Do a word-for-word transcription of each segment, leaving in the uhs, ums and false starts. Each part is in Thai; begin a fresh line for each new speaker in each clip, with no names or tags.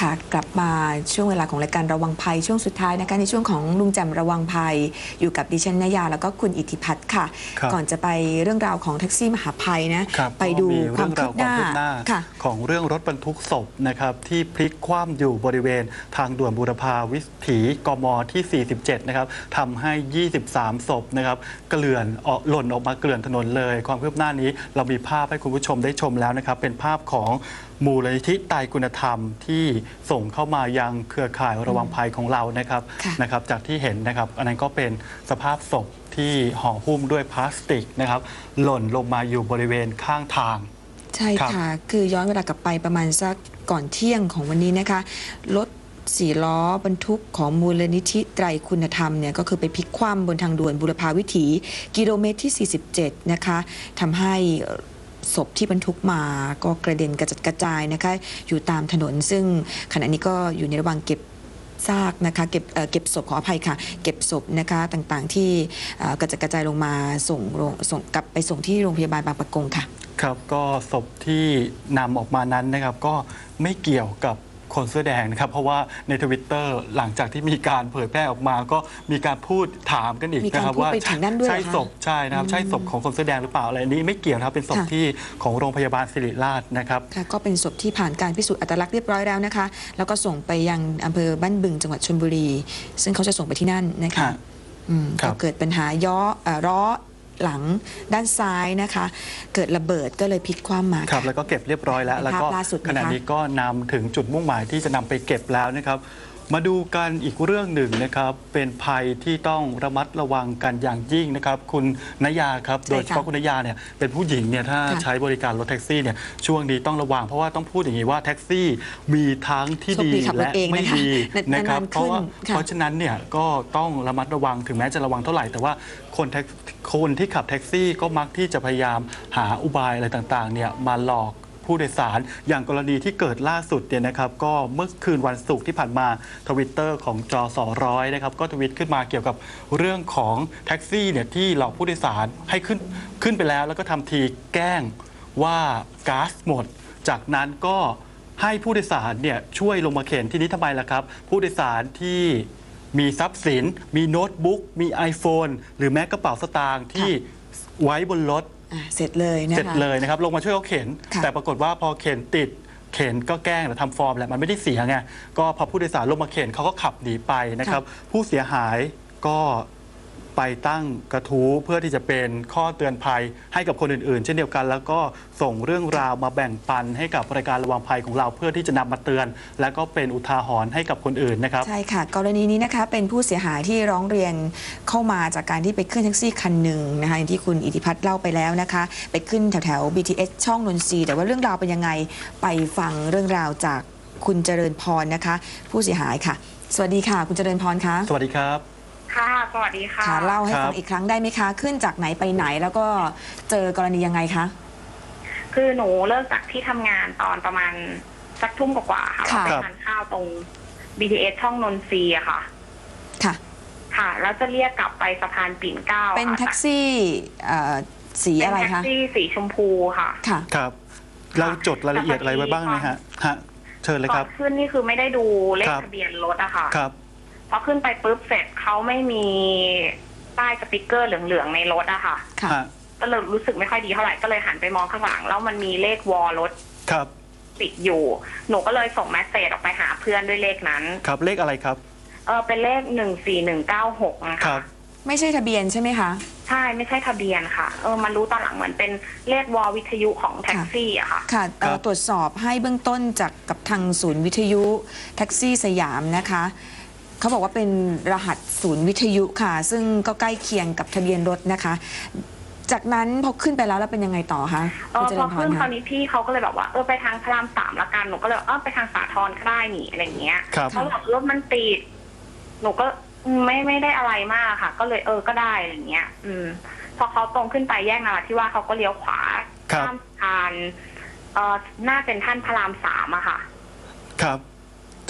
ค่ะกลับมาช่วงเวลาของรายการระวังภัยช่วงสุดท้ายนะคะในช่วงของลุงแจ่มระวังภัยอยู่กับดิฉันนยาแล้วก็คุณอิทธิพัฒน์ค่ะก่อนจะไปเรื่องราวของแท็กซี่มหาภัยนะไปดูความคืบหน้า
ของเรื่องรถบรรทุกศพนะครับที่พลิกคว่ำอยู่บริเวณทางด่วนบูรพาวิถีกมที่ สี่สิบเจ็ด นะครับทำให้ ยี่สิบสาม ศพนะครับเกลื่อนออกหล่นออกมาเกลื่อนถนนเลยความคืบหน้านี้เรามีภาพให้คุณผู้ชมได้ชมแล้วนะครับเป็นภาพของมูลนิธิไตรคุณธรรมที่ส่งเข้ามายังเครือข่ายระวังภัยของเรานะครับนะครับจากที่เห็นนะครับอันนั้นก็เป็นสภาพศพที่ห่อหุ้มด้วยพลาสติกนะครับหล่นลงมาอยู่บริเวณข้างทาง
ใช่ค่ะคือย้อนเวลากลับไปประมาณสักก่อนเที่ยงของวันนี้นะคะรถสี่ล้อบรรทุกของมูลนิธิไตรคุณธรรมเนี่ยก็คือไปพลิกคว่ำบนทางด่วนบุรพาวิถีกิโลเมตรที่ สี่สิบเจ็ด นะคะทำให้ศพที่บรรทุกมาก็กระเด็นกระจัดกระจายนะคะอยู่ตามถนนซึ่งขณะนี้ก็อยู่ในระหว่างเก็บซากนะคะเก็บเ, เก็บศพขออภัยค่ะเก็บศพนะคะต่างๆที่กระจัดกระจายลงมาส่งส่งกลับไปส่งที่โรงพยาบาลบางปะกงค่ะ
ครับก็ศพที่นำออกมานั้นนะครับก็ไม่เกี่ยวกับคนเสื้อแดงนะครับเพราะว่าในทวิตเตอร์หลังจากที่มีการเผยแพร่ออกมาก็มีการพูดถามกันอีกนะครับว่าใช่ศพใช่นะครับใช่ศพของคนเสื้อแดงหรือเปล่าอะไรนี้ไม่เกี่ยวนะครับเป็นศพที่ของโรงพยาบาลศิริราชนะครับ
ก็เป็นศพที่ผ่านการพิสูจน์อัตลักษณ์เรียบร้อยแล้วนะคะแล้วก็ส่งไปยังอำเภอบ้านบึงจังหวัดชลบุรีซึ่งเขาจะส่งไปที่นั่นนะคะก็เกิดปัญหาย่อล้อหลังด้านซ้ายนะคะเกิดระเบิดก็เลยพลิกคว่ำมา
ครับแล้วก็เก็บเรียบร้อยแล้วแล้วก็ขณะนี้ก็นำถึงจุดมุ่งหมายที่จะนำไปเก็บแล้วนะครับมาดูกันอีกเรื่องหนึ่งนะครับเป็นภัยที่ต้องระมัดระวังกันอย่างยิ่งนะครับคุณนยาครับโดยเฉพาะคุณนยาเนี่ยเป็นผู้หญิงเนี่ยถ้าใช้บริการรถแท็กซี่เนี่ยช่วงนี้ต้องระวังเพราะว่าต้องพูดอย่างนี้ว่าแท็กซี่มีทั้งที่ดีและไม่ดีนะครับเพราะว่าเพราะฉะนั้นเนี่ยก็ต้องระมัดระวังถึงแม้จะระวังเท่าไหร่แต่ว่าคนคนที่ขับแท็กซี่ก็มักที่จะพยายามหาอุบายอะไรต่างๆเนี่ยมาหลอกผู้โดยสารอย่างกรณีที่เกิดล่าสุดเนี่ยนะครับก็เมื่อคืนวันศุกร์ที่ผ่านมาทวิตเตอร์ของจอสอร้อยนะครับก็ทวิตขึ้นมาเกี่ยวกับเรื่องของแท็กซี่เนี่ยที่หลอกผู้โดยสารให้ขึ้นขึ้นไปแล้วแล้วก็ทำทีแกล้งว่าก๊าซหมดจากนั้นก็ให้ผู้โดยสารเนี่ยช่วยลงมาเข็นที่นี้ทำไมล่ะครับผู้โดยสารที่มีทรัพย์สินมีโน้ตบุ๊กมี iPhone หรือแม้กระเป๋าสตางค์ที่ไว้บนรถ
เสร็จเลยนะคะ
เสร็จเลยนะครับลงมาช่วยเขาเข็นแต่ปรากฏว่าพอเข็นติดเข็นก็แกล้งหรือทำฟอร์มแหละมันไม่ได้เสียไงก็พอผู้โดยสารลงมาเข็นเขาก็ขับหนีไปนะครับผู้เสียหายก็ไปตั้งกระทู้เพื่อที่จะเป็นข้อเตือนภัยให้กับคนอื่นๆเช่นเดียวกันแล้วก็ส่งเรื่องราวมาแบ่งปันให้กับรายการระวังภัยของเราเพื่อที่จะนำมาเตือนและก็เป็นอุทาหรณ์ให้กับคนอื่นนะครับ
ใช่ค่ะกรณีนี้นะคะเป็นผู้เสียหายที่ร้องเรียนเข้ามาจากการที่ไปขึ้นแท็กซี่คันหนึ่งนะคะอย่างที่คุณอิทธิพัฒน์เล่าไปแล้วนะคะไปขึ้นแถวแถว บี ที เอส ช่องนนทรีย์แต่ว่าเรื่องราวเป็นยังไงไปฟังเรื่องราวจากคุณเจริญพรนะคะผู้เสียหายค่ะสวัสดีค่ะคุณเจริญพรคะ
สวัสดีครับ
ค่ะสวัสดีค่ะ
เล่าให้ฟังอีกครั้งได้ไหมคะขึ้นจากไหนไปไหนแล้วก็เจอกรณียังไงคะ
คือหนูเลิกจากที่ทำงานตอนประมาณสักทุ่มกว่าๆค่ะไปทานข้าวตรง บี ที เอส ช่องนนทรีย์ค่ะ
ค่ะ
ค่ะแล้วจะเรียกกลับไปสะพานปิ่นเกล้า
เป็นแท็กซี่สีอะไรคะ
เป็นแท็กซี่สีชมพูค่ะ
ค่ะ
ครับเราจดรายละเอียดอะไรไว้บ้างไหมฮะฮะเชิญเลยครับ
ขึ้นนี่คือไม่ได้ดูเลขทะเบียนรถอะค่ะ
ครับ
พอขึ้นไปปุ๊บเสร็จเขาไม่มีป้ายสติ๊กเกอร์เหลืองๆในรถอะค่ะก็เลยรู้สึกไม่ค่อยดีเท่าไหร่ก็เลยหันไปมองข้างหลังแล้วมันมีเลขวอลรถ
ครับ
ติดอยู่หนูก็เลยส่งแมสเซจออกไปหาเพื่อนด้วยเลขนั้น
ครับเลขอะไรครับ
เออเป็นเลขหนึ่งสี่หนึ่งเก้าหกนะคะ
ไม่ใช่ทะเบียนใช่ไหมคะ
ใช่ไม่ใช่ทะเบียนค่ะเออมันรู้ตอนหลังเหมือนเป็นเลขวอลวิทยุของแท็กซี่อะค่ะ
ค่ะตรวจสอบให้เบื้องต้นจากกับทางศูนย์วิทยุแท็กซี่สยามนะคะเขาบอกว่าเป็นรหัสศูนย์วิทยุค่ะซึ่งก็ใกล้เคียงกับทะเบียนรถนะคะจากนั้นพอขึ้นไปแล้วแล้วเป็นยังไงต่อคะ
เออพอขึ้นตอนนี้พี่เขาก็เลยแบบว่าเออไปทางพระรามสามละกันหนูก็เลยเออไปทางสาทรก็ได้หนิอะไรเงี้ยเขาบอกรถมันติดหนูก็ไม่ไม่ได้อะไรมากค่ะก็เลยเออก็ได้อะไรเงี้ยอืมพอเขาตรงขึ้นไปแยกนราธิวาสเขาก็เลี้ยวขวาข้ามสะพานเอ่อหน้าเป็นท่านพระรามสามอะค่ะ
ครับ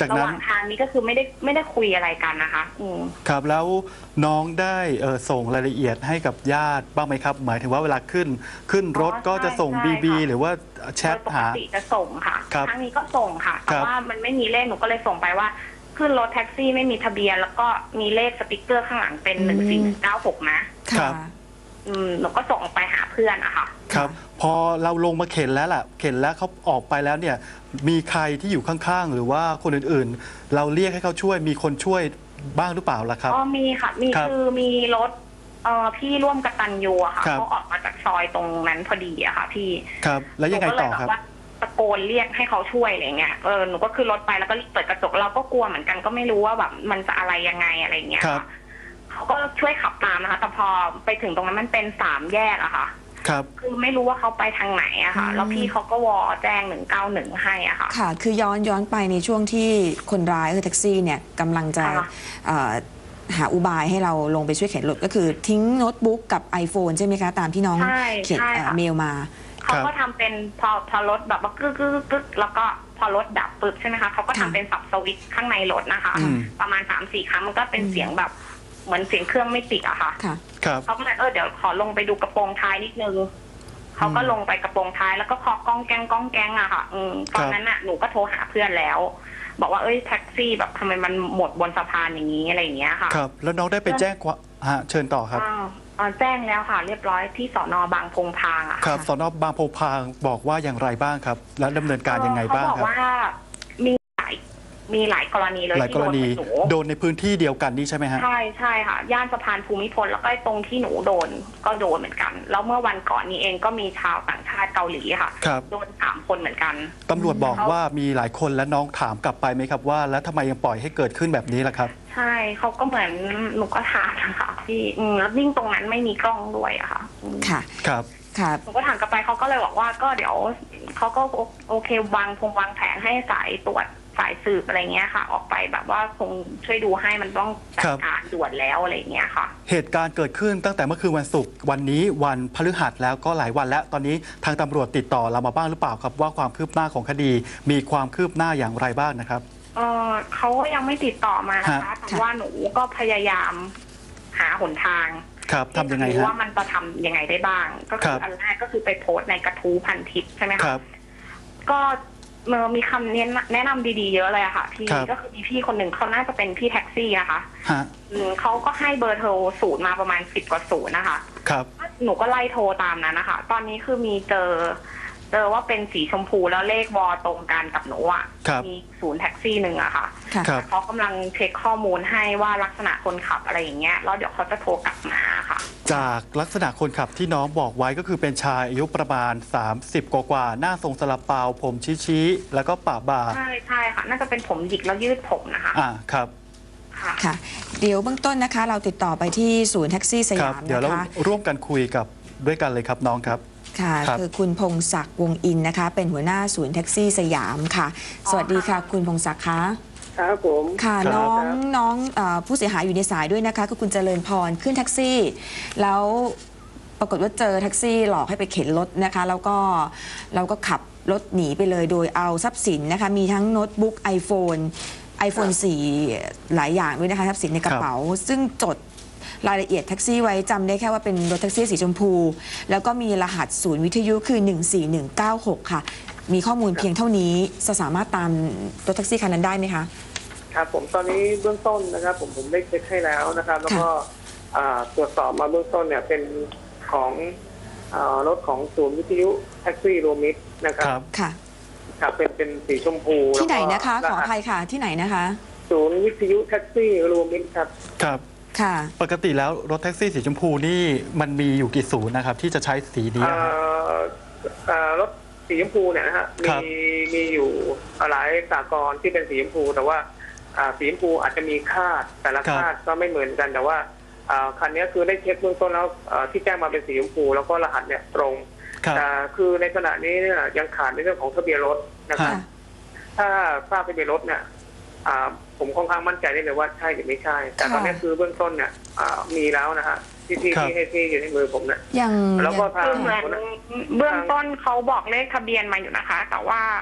จาก
ระห
นั้น
ว่างทางนี้ก็คือไม่ได้ไม่ได้คุยอะไรกันนะคะอืม
ครับแล้วน้องได้เอ่อส่งรายละเอียดให้กับญาติบ้างไหมครับ หมายถึงว่าเวลาขึ้นขึ้นรถ
อ๋อ
ก็จะส่ง
ใช่
บี บี
ค่ะ
หรือว่าแชท
โดยป
หาก
ติจะส่งค่ะ
ครับ
ครั้งนี้ก็ส่งค่ะ
ค
แต่
รับ
ว่ามันไม่มีเลขหนูก็เลยส่งไปว่าขึ้นรถแท็กซี่ไม่มีทะเบียน แล้วก็มีเลขสติกเกอร์ข้างหลังเป็น
อืม
หนึ่งสี่หนึ่งเก้าหกนะ
ครั
ค่ะ
บ
อืมหนูก็ส่งไปหาเพื่อนอะค่ะ
ครับพอเราลงมาเข็นแล้วล่ะเข็นแล้วเขาออกไปแล้วเนี่ยมีใครที่อยู่ข้างๆ หรือว่าคนอื่นๆ เราเรียกให้เขาช่วยมีคนช่วยบ้างหรือเปล่าล่ะครับ
อ๋อมีค่ะ มี
ครับ
คือมีรถเอ่อพี่ร่วมกตัญญูอะค่ะ
ครับ
เขาออกมาจากซอยตรงนั้นพอดีอะค่ะ พี่
ครับ แล้วยังไง
หนูก็เล
ต่
ย
อ
แบ
ครับ
บว่าตะโกนเรียกให้เขาช่วยอะไรเงี้ยเออหนูก็ขึ้นรถไปแล้วก็รีบเปิดกระจกเราก็กลัวเหมือนกันก็ไม่รู้ว่าแบบมันจะอะไรยังไงอะไรเงี้ย
ครับ
ค่ะเขาก็ช่วยขับตามนะคะ แต่พอไปถึงตรงนั้นมันเป็นสามแยกอะค่ะ
ครับ
คือไม่รู้ว่าเขาไปทางไหนอะค่ะ
อืม
แล้วพี่เขาก็วอแจ้งหนึ่งเก้าหนึ่งให้อะค่ะ
ค่ะ คือย้อนย้อนไปในช่วงที่คนร้ายคือแท็กซี่เนี่ยกำลังจะ
ค่ะ
เอ่อหาอุบายให้เราลงไปช่วยเข็นรถก็คือทิ้งโน้ตบุ๊กกับ iPhone ใช่ไหมคะ ตามที่น้อง
ใช่
เขียน
ใช่
เอ่อ
ค่ะ
เมลมา
เขาก็ทำเป็นพอพอรถแบบว่ากึกกึกกึกแล้วก็พอรถดับปึ๊บใช่ไหมคะเขาก็ทำ
ค่ะ
เป็นสับสวิตช์ข้างในรถนะคะ
อืม
ประมาณสามสี่ครั้งมันก็เป็น
อืม
เสียงแบบเหมือนเสียงเครื่องไม่ติดอะค่ะ
ค่ะ
ครับ
เขาก็เลยเออเดี๋ยวขอลงไปดูกระโปรงท้ายนิดนึงเขาก็ลงไปกระโปรงท้ายแล้วก็เคาะก้องแกงก้องแกงอะค่ะ อืมตอนนั้นน่ะหนูก็โทรหาเพื่อนแล้ว บอกว่าเอ้ยแท็กซี่แบบทำไมมันหมดบนสะพานอย่างนี้อะไรอย่างเงี้ยค่ะ
ครับ แล้วน้องได้ไปแจ้งความฮะเชิญต่อครับ
อ้าวอ่าแจ้งแล้วค่ะ เรียบร้อยที่สอนอบางพงพางอะ
ค
ค่ะ
รับสนบางโพพางบอกว่าอย่างไรบ้างครับ และดำเนินการยังไงบ้าง
เขาบอ
ครับ
กว่ามีหลายมีหลายกรณีเลย
หลาย
ที่
ก
โด
ร
น
ณี
หนู
โดนในพื้นที่เดียวกันนี่ใช่ไหมฮะ
ใช่ใช่ค่ะ ย่านสะพานภูมิพลแล้วก็ตรงที่หนูโดนก็โดนเหมือนกัน แล้วเมื่อวันก่อนนี้เองก็มีชาวต่างชาติเกาหลีค่ะ
ครับ
โดนสามคนเหมือนกัน
ตำรวจบอกว่ามีหลายคนและน้องถามกลับไปไหมครับว่า แล้วทำไมยังปล่อยให้เกิดขึ้นแบบนี้ล่ะครับ
ใช่เขาก็เหมือนหนูก็ถามนะคะพี่อืมแล้วยิ่งตรงนั้นไม่มีกล้องด้วยอะค่ะอืม
ค่ะ
ครับ
ค่ะ
หนูก็ถามกลับไปเขาก็เลยบอกว่าก็เดี๋ยวเขาก็โอโอเควางพงวางแผนให้สายตรวจสายสืบอะไรเงี้ยค่ะ ออกไปแบบว่าคงช่วยดูให้มันต้องจัดการด่วนแล้วอะไรเงี้ยค่ะ
เหตุการณ์เกิดขึ้นตั้งแต่เมื่อคืนวันศุกร์วันนี้วันพฤหัสแล้วก็หลายวันแล้วตอนนี้ทางตำรวจติดต่อเรามาบ้างหรือเปล่าครับว่าความคืบหน้าของคดีมีความคืบหน้าอย่างไรบ้างนะครับ
เออเขาก็ยังไม่ติดต่อมานะคะ
ฮะ
แต่ว่าหนูก็พยายามหาหนทาง
ครับทำยังไง
ที่จะรู้
ฮะ
ว่ามันจะทำยังไงได้บ้าง ก็
ค
คื
รั
อบ อันแรกก็คือไปโพสต์ในกระทู้พันทิปใช่ไหม
ค
คะ
รับ
ก็เมื่อมีคำแนะนำดีๆเยอะเลยอะค่ะพี่
ครับ
ก็คือมีพี่คนหนึ่งเขาน่าจะเป็นพี่แท็กซี่นะคะ
ฮะ
อืมเขาก็ให้เบอร์โทรศูนย์มาประมาณสิบกว่าศูนย์นะคะ
ครับ
หนูก็ไล่โทรตามนั้นนะคะ ตอนนี้คือมีเจอ เจอว่าเป็นสีชมพูแล้วเลขวอตรงกันกับหนูอ่ะ
ครับ
มีศูนย์แท็กซี่หนึ่งอะค่ะ
ค่ะ
ครับ
เขากำลังเช็คข้อมูลให้ว่าลักษณะคนขับอะไรอย่างเงี้ย แล้วเดี๋ยวเขาจะโทรกลับมาค่ะ
จากลักษณะคนขับที่น้องบอกไว้ก็คือเป็นชายอายุประมาณ สามสิบ กว่าๆหน้าทรงสลับเปาผมชี้ๆแล้วก็ปะบ่า
ใช่ใช่ค่ะ น่าจะเป็นผมหยิกแล้วยืดผมนะคะ
อ่าครับ
ค่ะ
ค่ะ เดี๋ยวเบื้องต้นนะคะ เราติดต่อไปที่ศูนย์แท็กซี่ส
ครั
ยา
บ
ม
เดี๋ยว
นะ
เรา
คะ
ร่วมกันคุยกับด้วยกันเลยครับน้องครับ
ค่ะ
ครับ
คือคุณพงศักดิ์วงอินนะคะ เป็นหัวหน้าศูนย์แท็กซี่สยามค่ะ สวัสดีค่ะ คุณพงศักดิ์คะ
ครับผม
ค่ะ
ครับ
น้องน้องเอ่อผู้เสียหายอยู่ในสายด้วยนะคะคือคุณเจริญพรขึ้นแท็กซี่ แล้วปรากฏว่าเจอแท็กซี่หลอกให้ไปเข็นรถนะคะ แล้วก็เราก็ขับรถหนีไปเลยโดยเอาทรัพย์สินนะคะ มีทั้งโน้ตบุ๊ก iPhone iPhone สี่ หลายอย่างด้วยนะคะทรัพย์สินในกระเป๋า ซึ่งจดรายละเอียดแท็กซี่ไว้จำได้แค่ว่าเป็นรถแท็กซี่สีชมพู แล้วก็มีรหัสศูนย์วิทยุคือ หนึ่งสี่หนึ่งเก้าหก ค่ะ มีข้อมูลเพียงเท่านี้จะสามารถตามรถแท็กซี่คันนั้นได้ไหมคะ
ครับผมตอนนี้เบื้องต้นนะครับ ผมผมได้เช็คให้แล้วนะครับ แล้วก็อ่าตรวจสอบมาเบื้องต้นเนี่ยเป็นของอ่ารถของศูนย์วิทยุแท็กซี่รวมมิตรนะค
ครับ รับ
ค่ะ
ครับเป็นเป็นสีชมพู
ที่ไหนนะคะ
แล้ว
ข
ก็
ออภัยค่ะ ที่ไหนนะคะ
ศูนย์วิทยุแท็กซี่รวมมิตรครับ
ครับ
ค่ะ
ปกติแล้วรถแท็กซี่สีชมพูนี่มันมีอยู่กี่ศูนย์นะครับ ที่จะใช้สีนี้
อ่า
อะครับ
อ่ารถสีชมพูเนี่ยนะฮะ
ครั
มี
บ
มีอยู่หลายสากลที่เป็นสีชมพูแต่ว่าอ่าสีชมพูอาจจะมีคาดแต่ละคาดก็ไม่เหมือนกันแต่ว่าอ่าคันนี้คือได้เช็คเบื้องต้นแล้วอ่าที่แจ้งมาเป็นสีชมพูแล้วก็รหัสเนี่ยตรง
ครับ
แต่คือในขณะนี้เนี่ยยังขาดในเรื่องของทะเบียนรถนะครับ
ค่ะ
ถ้าทราบทะเบียนรถเนี่ยอ่าผมค่อนข้างมั่นใจได้เลยว่าใช่หรือไม่ใช่ แต่ตอนนี้คือเบื้องต้นเนี่ยอ่ามีแล้วนะฮะที่ที่
ครับ
ที่ให้ที่อยู่ในมือผมเนี่ย
ยัง
แล้วก็
ยัง
ทาง
คือเหมือนเบื้องต้นเขาบอกเลขทะเบียนมาอยู่นะคะ แต่ว่า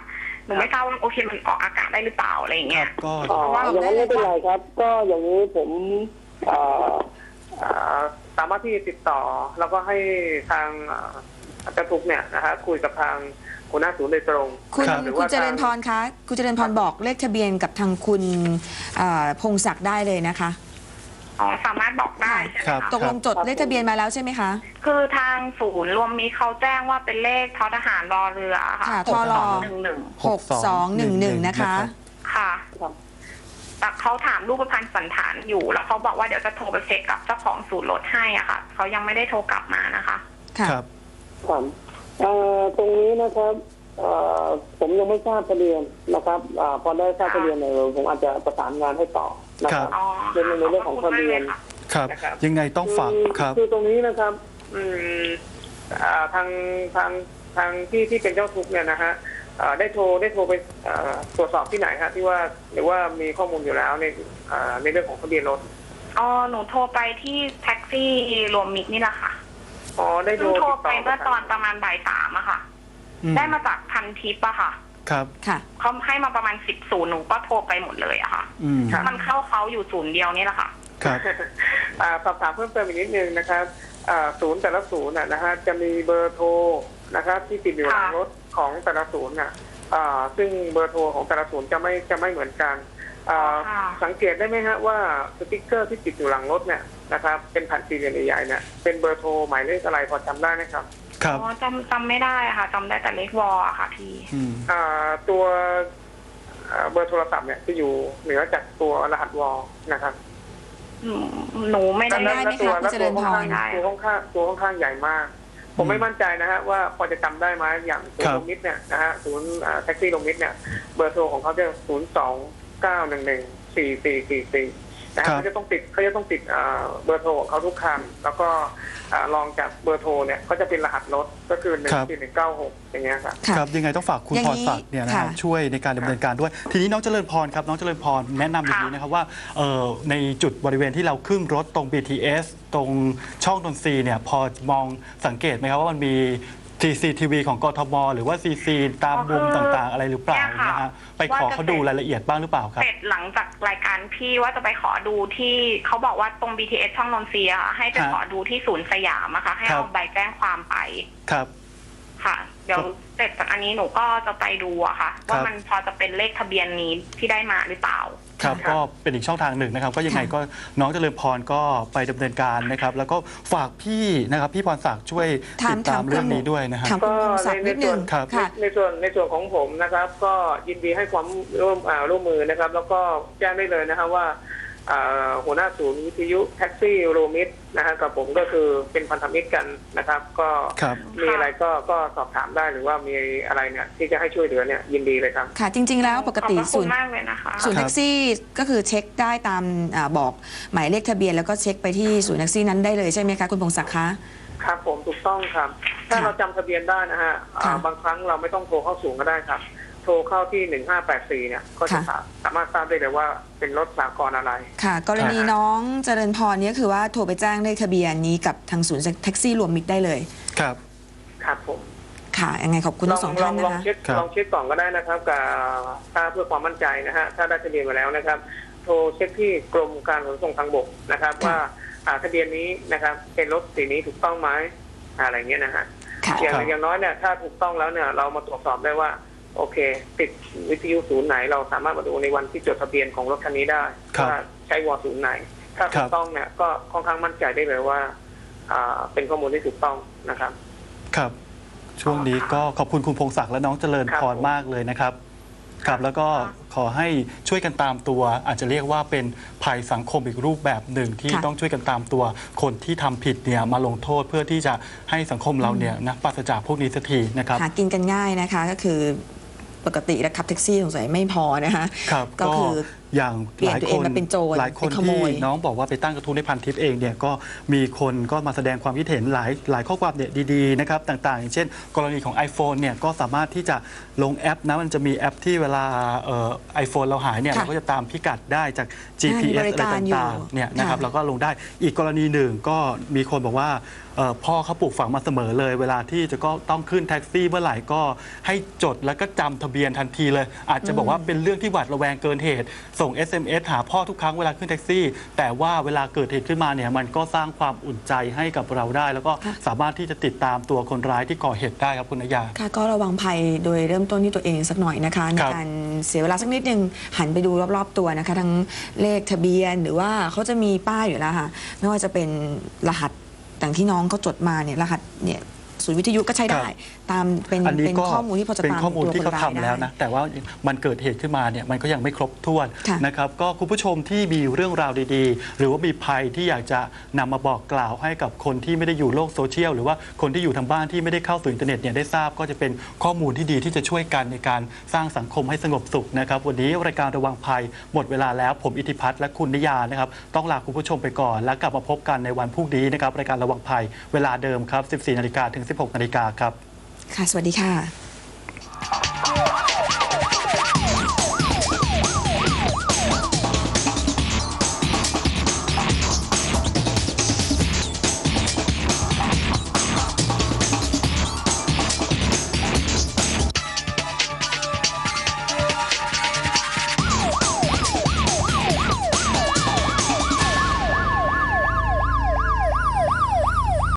หนูไม่ทราบว่าโอเคมันออกอากาศได้หรือเปล่าอะไรอย่างเงี้ย
ก็
อ๋ออย่างนั้นไม่เป็นไรครับ ก็อย่างนี้ผมเอ่อเอ่อสามารถที่จะติดต่อแล้วก็ให้ทางเอ่ออาจารย์ทุกเนี่ยนะฮะคุยกับทางหัวหน้าศูนย์โดยตรง
คุณ
นะหรือ
คุณ
ว่า
เจริญพรคะคุณเจริญพรบอกเลขทะเบียนกับทางคุณเอ่อพงศักดิ์ได้เลยนะคะ
อ๋อสามารถบอกได้ใช่ไหม
ครับ
คะ
ตกลงจดเลขทะเบียนมาแล้วใช่ไหมคะ
คือทางศูนย์รวมมีเขาแจ้งว่าเป็นเลขททหารรอเรือค่ะ
ค่ะ
ห
ท
ก
ร
สองหนึ่งหนึ่ง
หกสองหนึ่งหนึ่งนะคะ
ค่ะ
ครับ
แต่เขาถามรูปพรรณสันฐานอยู่แล้วเขาบอกว่าเดี๋ยวจะโทรไปเช็คกับเจ้าของศูนย์รถให้อ่ะค่ะเขายังไม่ได้โทรกลับมานะคะ
ค่ะ
ครับ
ครับเอ่อตรงนี้นะครับเอ่อผมยังไม่ทราบทะเบียนนะครับอ่าพอได้ทราบทะเบียนเนี่ยผมอาจจะประสานงานให้ต่อนะครับ
อ๋อ
เป็นในเรื่องของทะเบียน
ครับ
นะครับ
ยังไงต้องฝาก
คือ
ครับ
คือตรงนี้นะครับอืมอ่าทางทางทางที่ที่เป็นเจ้าทุกข์เนี่ยนะฮะอ่าได้โทรได้โทรไปอ่าตรวจสอบที่ไหนฮะที่ว่าหรือว่ามีข้อมูลอยู่แล้วในอ่าในเรื่องของทะเบียนรถ
อ๋อหนูโทรไปที่แท็กซี่รวมมิตรนี่แหละค่ะ
อ๋อได้โทร
เพิ่งโทร
ติด
ไป
ต่อ
เมื่อตอนประมาณบ่ายสามอะค่ะ
อืม
ได้มาจากพันทิปอะค่ะ
ครับ
ค่ะ
เขาให้มาประมาณสิบศูนย์หนูก็โทรไปหมดเลยอะค่ะ
อืม
มันเข้าเขาอยู่ศูนย์เดียวนี่แหละค่ะ
ครับ
อ่าสอบถามเพิ่มเติมอีกนิดนึงนะครับอ่าศูนย์แต่ละศูนย์น่ะนะฮะจะมีเบอร์โทรนะครับที่ติดอยู่หลัง
ค่ะ
รถของแต่ละศูนย์น่ะอ่าซึ่งเบอร์โทรของแต่ละศูนย์จะไม่จะไม่เหมือนกันอ่า
ค่ะ
สังเกตได้ไหมฮะว่าสติ๊กเกอร์ที่ติดอยู่หลังรถเนี่ยนะครับเป็นแผ่นสี่เหลี่ยมใหญ่ๆเนี่ยเป็นเบอร์โทรหมายเลขอะไรพอจำได้ไหมครับ
ครับ
อ๋อจำจำไม่ได้ค่ะจำได้แต่เลขวออะค่ะพี่
อืม
อ่าตัวอ่าเบอร์โทรศัพท์เนี่ยจะอยู่เหนือจากตัวรหัสวอลนะครับ
หนูหนูไม่ได้
จำได้ไหมคะคุณเจริญพร
ตัวค่อนข้างตัวค่อนข้างใหญ่มาก ผมไม่มั่นใจนะฮะว่าพอจะจำได้ไหมอย่างศูน
ครั
ย์
บ
ลงมิตรเนี่ยนะฮะศูนย์อ่าแท็กซี่ลงมิตรเนี่ยเบอร์โทรของเขาจะศูนย์สองเก้าหนึ่งหนึ่งสี่สี่สี่สี่นะฮะเขาจะต้องติดเขาจะต้องติดอ่าเบอร์โทรของเขาทุกคันแล้วก็อ่ารองจากเบอร์โทรเนี่ยก็จะเป็นรหัสรถก็คือหนึ่งสี่หนึ่งเก้าหกอย่างเงี้ยครับ
ค่ะ
ครับยังไงต้องฝากคุณ
อย่าง
พ
นี้
รศักดิ์เนี่ยนะ
ค่ะ
ฮะช่วยในการดำเนินการด้วย ทีนี้น้องเจริญพรครับน้องเจริญพรแนะนำอย่างนี้นะครับว่าเอ่อในจุดบริเวณที่เราขึ้นรถตรง บี ที เอส ตรงช่องนนทรีย์เนี่ยพอมองสังเกตไหมครับว่ามันมี ซี ซี ที วี ของกทมหรือว่า ซี ซี ตามมุมต่างๆ อะไรหรือเปล่า
เนี่ยค่ะ
นะฮะไปขอเขาดูรายละเอียดบ้างหรือเปล่าครับ
เสร็จหลังจากรายการพี่ว่าจะไปขอดูที่เขาบอกว่าตรง บี ที เอส ช่องนนทรีย์อะให้ไป
ครับ
ขอดูที่ศูนย์สยามอะค่ะให้
ครับ
เอาใบแจ้งความไป
ครับ
ค่ะ เดี๋ยวเสร็จจากอันนี้หนูก็จะไปดูอะค่ะ ว่ามันพอจะเป็นเลขทะเบียนนี้ที่ได้มาหรือเปล่า
ครับก็เป็นอีกช่องทางหนึ่งนะครับ ก็ยังไงก็น้องเจริญพรก็ไปดำเนินการนะครับ แล้วก็ฝากพี่นะครับพี่พรศักดิ์ช่วย
ถาม
ติดตาม
ถาม
เรื่องนี้ด้วยนะครับ
ถามคุณพงศักดิ์นิดนึง
ครับ
ค่ะ
ในส่วนในส่วนของผมนะครับ ก็ยินดีให้ความร่วมอ่าร่วมมือนะครับ แล้วก็แจ้งได้เลยนะครับว่าอ่าหัวหน้าศูนย์วิทยุแท็กซี่โรมิดนะฮะกับผมก็คือเป็นพันธมิตรกันนะครับ ก็
ครับ
มีอะไรก็ก็สอบถามได้หรือว่ามีอะไรเนี่ยที่จะให้ช่วยเหลือเนี่ยยินดีเลยครับ
ค่ะ จริง ๆ แล้วปกติ
ขอบพระ
ศู
คุ
น
ณ
ย์
มากเลยนะคะ
ศูนย์
ครั
แท็
บ
กซี่ก็คือเช็คได้ตามอาบอกหมายเลขทะเบียนแล้วก็เช็คไปที่ศูนย์แท็กซี่นั้นได้เลยใช่ไหมคะคุณพงศักดิ์คะ
ครับผมถูกต้องครับ ถ้า
ค่ะ
เราจำทะเบียนได้นะฮะอ่า
ค่ะ
บางครั้งเราไม่ต้องโทรเข้าศูนย์ก็ได้ครับ โทรเข้าที่หนึ่งห้าแปดสี่เนี่ยก็จะ
ค่ะ
สามารถทราบได้เลยว่าเป็นรถสากลอะไร
ค่ะ กรณีน้องเจริญพรเนี่ยคือว่าโทรไปแจ้งเลขทะเบียนนี้กับทางศูนย์แท็กซี่รวมมิตรได้เลย
ครับ
ครับผม
ค่ะยังไงขอบคุณ
ล
ทั้
อง
งสอง
ลอ
ท่าง น
ลอง
นะคะ
เช็ค
ครับ
ลองเช็คก่อนก็ได้นะครับกับถ้าเพื่อความมั่นใจนะฮะถ้าได้ทะเบียนมาแล้วนะครับ โทรเช็คที่กรมการขนส่งทางบกนะครับ
ค่ะ
ว่าอ่าทะเบียนนี้นะครับเป็นรถสีนี้ถูกต้องไหมอะไรเงี้ยนะฮะ
ค่ะ
อย่าง
ครับ
อย่างน้อยเนี่ยถ้าถูกต้องแล้วเนี่ยเรามาตรวจสอบได้ว่าโอเค ติดวิทยุศูนย์ไหน เราสามารถมาดูในวันที่จดทะเบียนของรถคันนี้ได้
ครับ
ว่าใช้วอศูนย์ไหน ถ้า
ครั
ถู
บ
กต้องเนี่ยก็ค่อนข้างมั่นใจได้เลยว่าอ่าเป็นข้อมูลที่ถูกต้องนะครับ
ครับ ช่วงนี้ก็ขอบคุณคุณพงศักดิ์และน้องเจริญพรมากเลยนะครับ ครับแล้วก็ขอให้ช่วยกันตามตัว อาจจะเรียกว่าเป็นภัยสังคมอีกรูปแบบหนึ่งที่
ค่ะ
ต้องช่วยกันตามตัวคนที่ทำผิดเนี่ยมาลงโทษเพื่อที่จะให้สังคมเราเนี่ยนะปราศจากพวกนี้สักทีนะครับ
หากินกันง่ายนะคะก็คือปกติแล้วขับแท็กซี่สงสัยไม่พอนะคะ
ครับ
ก็คือ
อย่าง
เปลี่ยนตัวเองมาเป็นโจร
หลายคน
ไปขโม
ที่
ย
น้องบอกว่าไปตั้งกระทู้ในพันทิปเองเนี่ยก็มีคนก็มาแสดงความคิดเห็นหลายหลายข้อความเนี่ยดีๆนะครับต่างๆ อย่างเช่น กรณีของ iPhone เนี่ยก็สามารถที่จะลงแอปนะมันจะมีแอปที่เวลาไอโฟนเราหายเนี่ย
ค่ะ
เราก็จะตามพิกัดได้จาก จี พี เอส
มีบริ
อะไร
การอยู่
ต่างๆเนี่ยนะครับ
ค่ะ
เราก็ลงได้อีกกรณีหนึ่งก็มีคนบอกว่าเอ่อพ่อเขาปลูกฝังมาเสมอเลย เวลาที่จะก็ต้องขึ้นแท็กซี่เมื่อไหร่ก็ให้จดแล้วก็จำทะเบียนทันทีเลย อาจจะบอกว่าเป็นเรื่องที่หวาดระแวงเกินเหตุ ส่ง เอส เอ็ม เอส หาพ่อทุกครั้งเวลาขึ้นแท็กซี่ แต่ว่าเวลาเกิดเหตุขึ้นมาเนี่ยมันก็สร้างความอุ่นใจให้กับเราได้ แล้วก็สามารถที่จะติดตามตัวคนร้ายที่ก่อเหตุได้ครับคุณนยา
ค่ะก็ระวังภัยโดยเริ่มต้นที่ตัวเองสักหน่อยนะคะในการเสียเวลาสักนิดนึงหันไปดูรอบๆตัวนะคะทั้งเลขทะเบียนหรือว่าเขาจะมีป้ายอยู่แล้วค่ะไม่ว่าจะเป็นรหัสต่างที่น้องเขาจดมาเนี่ยรหัสเนี่ยศูนย์วิทยุก็ใช้ได้ตามเป็นเป็นข้อมูลที่พอจะตาม
เป็นข้อมูลที่เขาทำแล้วนะแต่ว่ามันเกิดเหตุขึ้นมาเนี่ยมันก็ยังไม่ครบถ้วนนะครับก็คุณผู้ชมที่มีเรื่องราวดีๆหรือว่ามีภัยที่อยากจะนำมาบอกกล่าวให้กับคนที่ไม่ได้อยู่โลกโซเชียลหรือว่าคนที่อยู่ทางบ้านที่ไม่ได้เข้าสู่อินเทอร์เน็ตเนี่ยได้ทราบก็จะเป็นข้อมูลที่ดีที่จะช่วยกันในการสร้างสังคมให้สงบสุขนะครับวันนี้รายการระวังภัยหมดเวลาแล้วผมอิทธิพัฒน์และคุณนิยานะครับต้องลาคุณผู้ชมไปก่อนแล้วกลับมาพบกันในวันพรุ่งนี้นะครับรายการระวังภัยเวลาเดิมครับ สิบสี่นาฬิกาถึง สิบหกนาฬิกาครับ
ค่ะสวัสดีค่ะ